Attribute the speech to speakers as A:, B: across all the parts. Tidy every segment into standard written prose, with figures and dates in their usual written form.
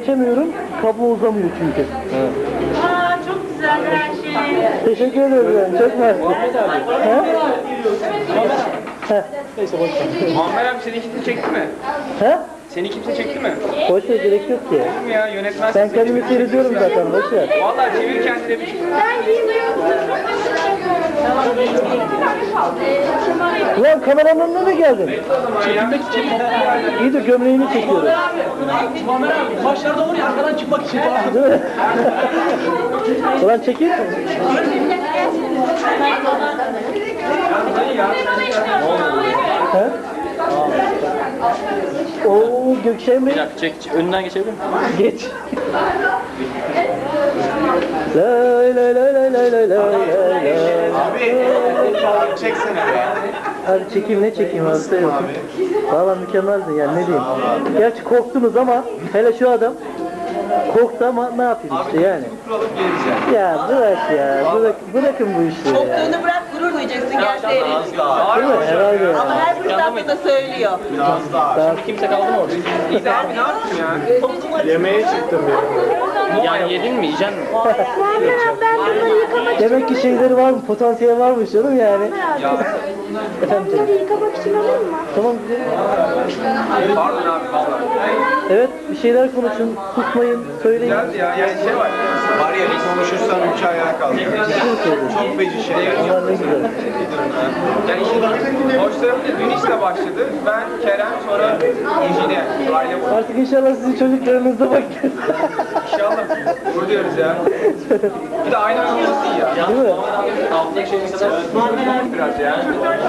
A: geçemiyorum. Kablo uzamıyor çünkü.
B: Evet.
C: Aa, çok güzel her şey.
A: Teşekkür ederim. Çok mersi.
B: Neyse boş ver.
D: Muammer abi seni kimse çekti mi?
A: He?
D: Seni kimse çekti mi?
A: Boş ver, gerek yok ki.
D: Kim ya yönetmen
A: Ben
D: seni
A: kendimi
D: çekti.
A: seyrediyorum zaten. Boş ver.
D: Vallahi çevir kendine bir şey.
C: Ben giymiyorum.
A: Ulan kameranın önüne mi geldin?
B: Çekilmek için.
A: İyi de gömleğini çekiyorum.
B: Muammer abi başlarda olur ya arkadan çıkmak için falan.
A: Değil mi? Ulan çekil. He? Oo Gökşen Bey.
B: Bir dakika çek. Önünden geçebilir miyim?
A: Geç. Lay lay lay lay lay lay lay lay.
D: Abi çeksene be.
A: Abi çekeyim ne çekeyim hasta yok. Valla mükemmeldin yani ne diyeyim. Gerçi korktunuz ama hele şu adam korktu ama ne yapayım işte yani.
D: Kuralım geleceğim.
A: Ya bırakın bu işleri ya.
E: Korktuğunu bırak, gurur duyacaksın gerçeğini.
A: Değil mi? Herhalde.
E: Ama her fırsatta da söylüyor.
D: Biraz daha.
A: Daha
B: Kimse kaldı mı orada?
D: İyi de abi ne yaptın ya?
A: yemeğe çıktım ya.
B: Yani yedin mi? Yiyeceksin mi?
C: Muammer abi ben bunları yıkamak
A: Demek ki şeyleri var mı? Potansiyeli varmış canım yani.
D: Ya
A: Efendim canım.
C: bunları yıkamak için alayım mı?
A: Tamam güzel.
D: pardon abi vallahi.
A: Evet bir şeyler konuşun. Susmayın. Söyleyin.
D: Güzeldi ya. Yani şey var. Var ya bir konuşursan ülke ayağa kalkıyor. Çok feci şey.
A: Allah ne güzel.
D: Yani işin hoş tarafı da dün işte başladı. Ben, Kerem, sonra Ejine. Aile boyu.
A: Artık inşallah sizin çocuklarınızda bakın.
D: İnşallah. Gurur diyoruz ya. Bir de aynı olması iyi ya.
A: Değil mi?
D: Alttaki şey kadar biraz ya.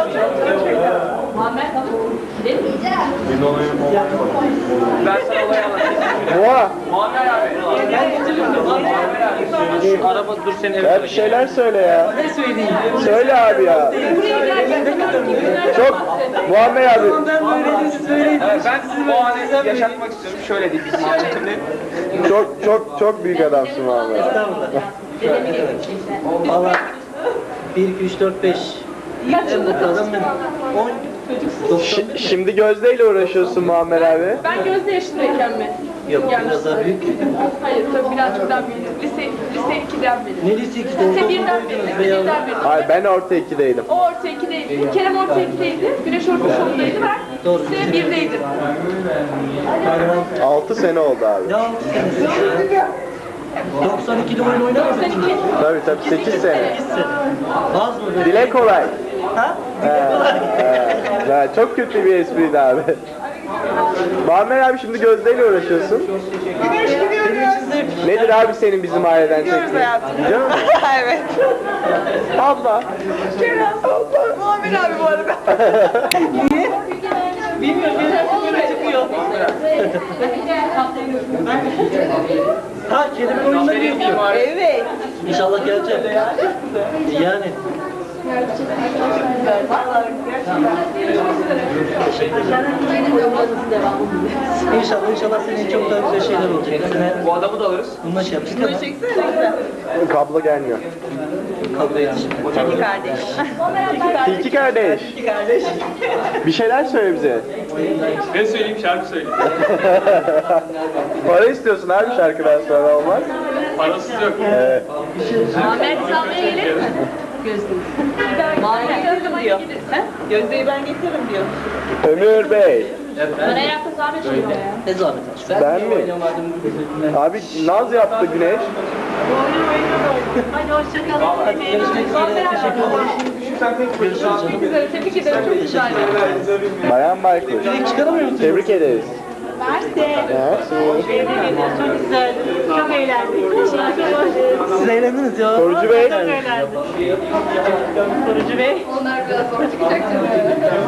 D: Ben sana olayı anlatayım.
A: Boğa.
D: Muammer abi. Ben getirdim de. Muammer abi.
B: Şu araba dur seni eve
A: Ya bir şeyler söyle ya.
B: Ne söyleyeyim?
A: Söyle abi ya. Çok Muammer abi.
D: Evet, ben sizi o anı yaşatmak istiyorum. Şöyle diyeyim bizim şimdi.
A: Çok büyük adamsın Muammer. Valla 1, 2, 3, 4, 5.
C: Kaç yıllık çalıştın?
A: Şimdi Gözde ile uğraşıyorsun Muammer abi.
F: Ben Gözde yaşındayken mi?
A: Yok biraz daha büyük.
F: Hayır tabii birazcık daha büyüdüm. Lise 2'den beri.
A: Ne lisesi
F: Lise 1'den beri. Lise 1'den beri.
A: Hayır ben orta 2'deydim.
F: O orta 2'deydi. Kerem orta 2'deydi. Güneş orta sondaydı. Ben lise 1'deydim.
A: 6 sene oldu abi.
E: 92'de oyun oynamadın.
F: 92.
A: Tabii 8 sene.
E: Vaz mı böyle?
A: Dile kolay. Ha, çok kötü bir espriydi abi. Muammer abi şimdi Gözde ile uğraşıyorsun. Nedir abi senin bizim aileden çektiğin? Biliyor musun?
E: Evet.
A: Abla.
E: Muammer abi bu arada. Bilmiyorum, bir böyle çıkıyor.
A: Ha kelime oyunları yapıyor.
E: Evet.
A: İnşallah gelecek. Yani. İnşallah senin çok daha güzel şeyler olacak.
D: Bu adamı da alırız.
A: Bununla şey yapacağız.
E: Bunu çeksene güzel.
A: Kablo gelmiyor. Kablo yetişmiyor.
E: İki kardeş.
A: İki kardeş.
E: İki kardeş.
A: Bir şeyler söyle bize.
D: Ne söyleyeyim şarkı söyleyeyim.
A: Para istiyorsun abi şarkıdan sonra olmaz.
D: Parasız yok.
A: Evet.
F: Ahmet salmaya gelir mi?
E: Muammer getiririm diyor. Gözdeyi ben getiririm diyor.
A: Ömür Bey.
F: Bana yaptı zahmet şey ya.
E: Ne zahmet aç.
A: Ben mi? Abi naz yaptı Güneş.
F: Hadi hoşçakalın. Güzel, tebrik ederim. Çok güzel.
A: Bayan Baykuş. Tebrik ederiz.
C: Mersi.
A: Çok
C: güzel. Çok eğlendik. Teşekkür ederim.
A: Siz eğlendiniz ya. Korucu Bey.
C: Korucu Bey.
F: Onlar biraz zor çıkacak.